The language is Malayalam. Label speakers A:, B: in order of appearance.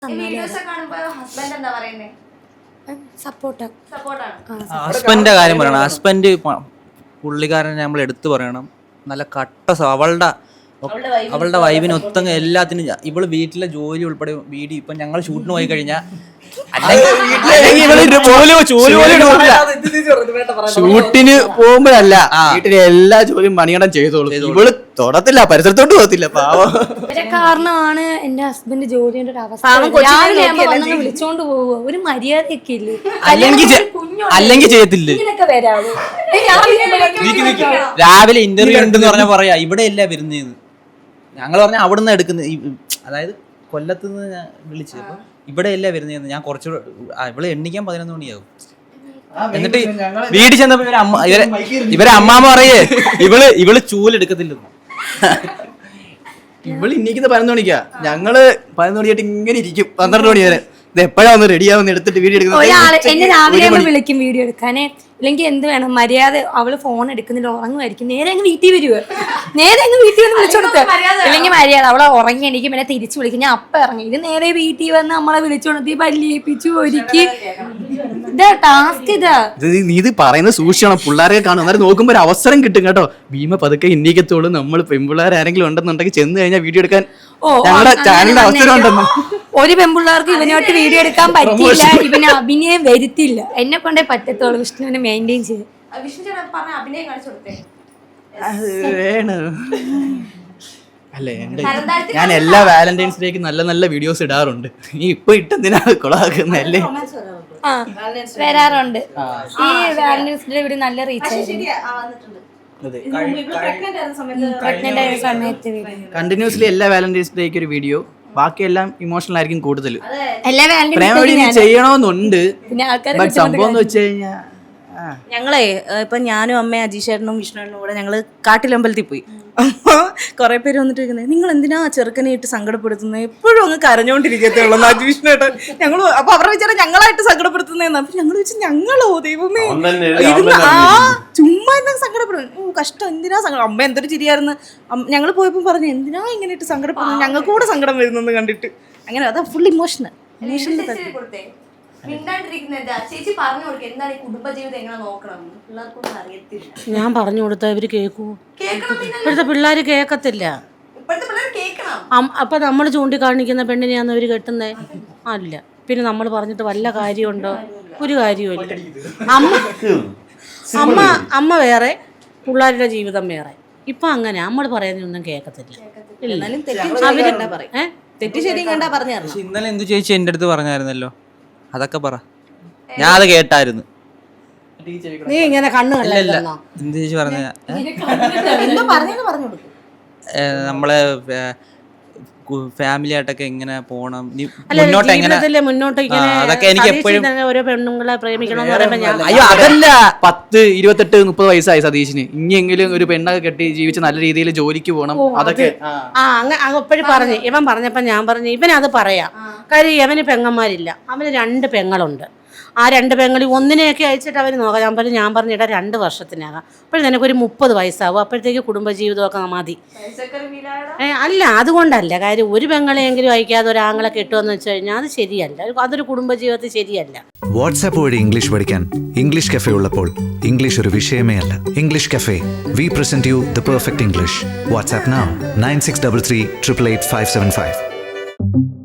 A: ഹസ്ബൻഡിന്റെ കാര്യം പറയണം. ഹസ്ബൻഡ് പുള്ളിക്കാരനെ നമ്മൾ എടുത്തു പറയണം. നല്ല കട്ട അവളുടെ വൈബിന് ഒത്തങ്ങ എല്ലാത്തിനും. ഇവള് വീട്ടിലെ ജോലി ഉൾപ്പെടെ വീഡിയോ ഇപ്പൊ ഞങ്ങൾ ഷൂട്ടിന് പോയി കഴിഞ്ഞാൽ
B: ഷൂട്ടിന് പോകുമ്പോഴല്ല, വീട്ടിലെ എല്ലാ ജോലിയും മണിയടം ചെയ്തോളൂ. ഇവള് തൊടത്തില്ല, പരിസരത്തോട്ട് പോകത്തില്ല. പാവം
C: കാരണമാണ് എന്റെ ഹസ്ബൻഡ് ജോലിയുടെ ഒരു അവസ്ഥ. വിളിച്ചോണ്ട് പോവുക, ഒരു മര്യാദയൊക്കെ ഇല്ലേ?
A: അല്ലെങ്കിൽ ചെയ്യത്തില്ല. രാവിലെ ഇന്റർവ്യൂ ഉണ്ടെന്ന് പറഞ്ഞാൽ പറയാ ഇവിടെ അല്ല വരുന്നേന്ന്. ഞങ്ങൾ പറഞ്ഞ അവിടുന്ന് എടുക്കുന്നത്, അതായത് കൊല്ലത്തുനിന്ന് ഞാൻ വിളിച്ചു. അപ്പൊ ഇവിടെ അല്ല വരുന്നേന്ന്. ഞാൻ കുറച്ചുകൂടെ ഇവിടെ എണ്ണിക്കാൻ 11 മണിയാകും. എന്നിട്ട് വീട്ടിൽ ചെന്നപ്പോ ഇവരെ അമ്മാമ്മ പറയേ ഇവള് ചൂലെടുക്കത്തില്ലെന്ന്.
B: ഇവള് ഇന്നിക്കുന്ന 11 മണിക്കാ. ഞങ്ങള് 11 മണിയായിട്ട് ഇങ്ങനെ ഇരിക്കും 12 മണി വരെ. ഇത് എപ്പോഴാ ഒന്ന് റെഡിയാവുന്ന എടുത്തിട്ട് വീഡിയോ എടുക്കുന്നത്.
C: എന്നെ രാവിലെ വിളിക്കും വീഡിയോ എടുക്കാനേ. ഇല്ലെങ്കിൽ എന്ത് വേണം, മര്യാദ. അവള് ഫോൺ എടുക്കുന്നില്ല, ഉറങ്ങുമായിരിക്കും. നേരെ അങ്ങ് വീട്ടിൽ വരുവോ, നേരെ അങ്ങ് വീട്ടിൽ വന്ന് വിളിച്ചോടുത്ത്. ഇല്ലെങ്കിൽ മര്യാദ. അവളെ ഉറങ്ങി എനിക്ക് പിന്നെ തിരിച്ചു വിളിക്കും. ഞാൻ അപ്പം ഇറങ്ങി. ഇത് നേരെ വീട്ടിൽ വന്ന് നമ്മളെ വിളിച്ചോണത്തി പല്ലിയേപ്പിച്ചു ഒരുക്കി. ഇതാ ടാസ്ക്.
B: നീ ഇത് പറയുന്നത് സൂക്ഷിക്കണം. പിള്ളേരെ കാണും, അന്നേരം നോക്കുമ്പോ ഒരു അവസരം കിട്ടും കേട്ടോ. ഭീമ പതുക്കെ ഇന്നിക്കത്തോളൂ. നമ്മൾ പെൺപിള്ളേർ ആരെങ്കിലും ഉണ്ടെന്നുണ്ടെങ്കിൽ ചെന്ന് കഴിഞ്ഞാൽ വീഡിയോ എടുക്കാൻ ഞങ്ങളുടെ ചാനലിന്റെ അവസരം ഉണ്ടെന്ന്.
C: ഒരു പെൺപിള്ളേർക്ക് ഇവനോട്ട് വീഡിയോ എടുക്കാൻ പറ്റില്ല, ഇവന് അഭിനയം വരുത്തില്ല. എന്നെ കൊണ്ടേ പറ്റത്തുള്ളൂ വിഷ്ണുവിനെ മെയിൻറ്റെയിൻ ചെയ്ത്.
B: അല്ലേ, ഞാൻ എല്ലാ വാലന്റൈൻസ് ഡേക്ക് നല്ല നല്ല വീഡിയോസ് ഇടാറുണ്ട്. നീ ഇപ്പൊ ഇട്ടെന്തിനാ കൊളാക്കുന്നല്ലേ?
C: വരാറുണ്ട്. ഈ വാലന്റൈൻസ് ഡേ ഇവിടെ നല്ല റീച്ച് ആയിരുന്നു.
B: കണ്ടിന്യൂസ്ലി എല്ലാ വാലന്റൈൻസ് ഡേക്ക് ഒരു വീഡിയോ. ബാക്കിയെല്ലാം ഇമോഷണൽ ആയിരിക്കും കൂടുതൽ.
C: പ്രേമ
B: വീഡിയോ ചെയ്യണോന്നുണ്ട്. ബട്ട് സംഭവം എന്ന് വെച്ച് കഴിഞ്ഞാൽ
D: ഞങ്ങളെ ഇപ്പൊ ഞാനും അമ്മയും അജീഷേട്ടനും വിഷ്ണുവിനും കൂടെ ഞങ്ങള് കാട്ടിലമ്പലത്തിൽ പോയി. അപ്പൊ കുറെ പേര് വന്നിട്ട് ഇരിക്കുന്നത്, നിങ്ങൾ എന്തിനാ ചെറുക്കനെ ഇട്ട് സങ്കടപ്പെടുത്തുന്നത്, എപ്പോഴും അങ്ങ് കരഞ്ഞോണ്ടിരിക്കത്തുള്ളൂ വിഷ്ണുവേട്ടൻ. ഞങ്ങള് അപ്പൊ അവരുടെ വിചാരം ഞങ്ങളായിട്ട് സങ്കടപ്പെടുത്തുന്നതെന്ന്. അപ്പൊ ഞങ്ങൾ വെച്ച് ഞങ്ങളോ ദൈവമേ ഇരുന്ന് ചുമ്മാ എന്താ സങ്കടപ്പെടുന്നു, കഷ്ടം, എന്തിനാ സങ്കടം. അമ്മ എന്തൊരു ചിരിയായിരുന്നു. ഞങ്ങൾ പോയപ്പോ പറഞ്ഞു എന്തിനാ ഇങ്ങനെ ഇട്ട് സങ്കടപ്പെടുന്നു, ഞങ്ങൾക്ക് കൂടെ സങ്കടം വരുന്നെന്ന് കണ്ടിട്ട്. അങ്ങനെ അതാ ഫുൾ ഇമോഷണൽ.
E: ഞാൻ പറഞ്ഞു കൊടുത്താ ഇവര് കേൾക്കൂ? ഇപ്പോഴത്തെ പിള്ളേര് കേക്കത്തില്ല. അപ്പൊ നമ്മൾ ചൂണ്ടിക്കാണിക്കുന്ന പെണ്ണിനെയാന്ന് അവര് കെട്ടുന്നേ? അല്ല. പിന്നെ നമ്മൾ പറഞ്ഞിട്ട് വല്ല കാര്യമുണ്ടോ? ഒരു കാര്യവുമില്ല. അമ്മ വേറെ, പിള്ളേരുടെ ജീവിതം വേറെ. ഇപ്പൊ അങ്ങനെ നമ്മൾ പറയുന്നൊന്നും കേക്കത്തില്ല.
A: ഇന്നലെ എന്തു ചേച്ചി എന്റെ അടുത്ത് പറഞ്ഞായിരുന്നല്ലോ, അതൊക്കെ പറ. ഞാൻ അത് കേട്ടായിരുന്നു.
E: നീ ഇങ്ങനെ കണ്ണു
A: എന്ത് ചേച്ചി പറഞ്ഞ നമ്മളെ ഫാമിലി ആയിട്ടൊക്കെ എങ്ങനെ പോണം,
E: മുന്നോട്ട്
A: അതൊക്കെ എനിക്ക് എപ്പോഴും
E: ഓരോ പെണ്ണുങ്ങളെ പ്രേമിക്കണമെന്ന് പറയുമ്പോ
B: അയ്യോ അതല്ല, 10, 28, 30 വയസ്സായി സതീഷിന്. ഇനിയെങ്കിലും ഒരു പെണ്ണൊക്കെ കെട്ടി ജീവിച്ച് നല്ല രീതിയിൽ ജോലിക്ക് പോകണം. അതൊക്കെ
E: എപ്പോഴും പറഞ്ഞു. ഇവൻ പറഞ്ഞപ്പോ ഞാൻ പറഞ്ഞു ഇവനത് പറയാം. കാര്യം ഇവന് പെങ്ങന്മാരില്ല, അവന് 2 പെങ്ങളുണ്ട്. ആ 2 പെങ്ങളിൽ ഒന്നിനെയൊക്കെ അയച്ചിട്ട് അവർ നോക്കാം. ഞാൻ പറഞ്ഞിട്ടാ 2 വർഷത്തിനകം. അപ്പോഴും നിനക്കൊരു 30 വയസ്സാവും. അപ്പോഴത്തേക്ക് കുടുംബജീവിതമൊക്കെ മതി. അല്ല, അതുകൊണ്ടല്ല. കാര്യം ഒരു പെങ്ങളെയെങ്കിലും അയക്കാതെ ഒരാങ്ങളെ കെട്ടുമെന്ന് വെച്ച് കഴിഞ്ഞാൽ അത് ശരിയല്ല. അതൊരു കുടുംബജീവിതത്തിൽ ശരിയല്ല.
F: വാട്സാപ്പ് വഴി ഇംഗ്ലീഷ് പഠിക്കാൻ ഇംഗ്ലീഷ് കഫേ ഉള്ളപ്പോൾ ഇംഗ്ലീഷ് ഒരു വിഷയമേ അല്ല. English cafe, we present you the perfect English. WhatsApp now 9633 888 575.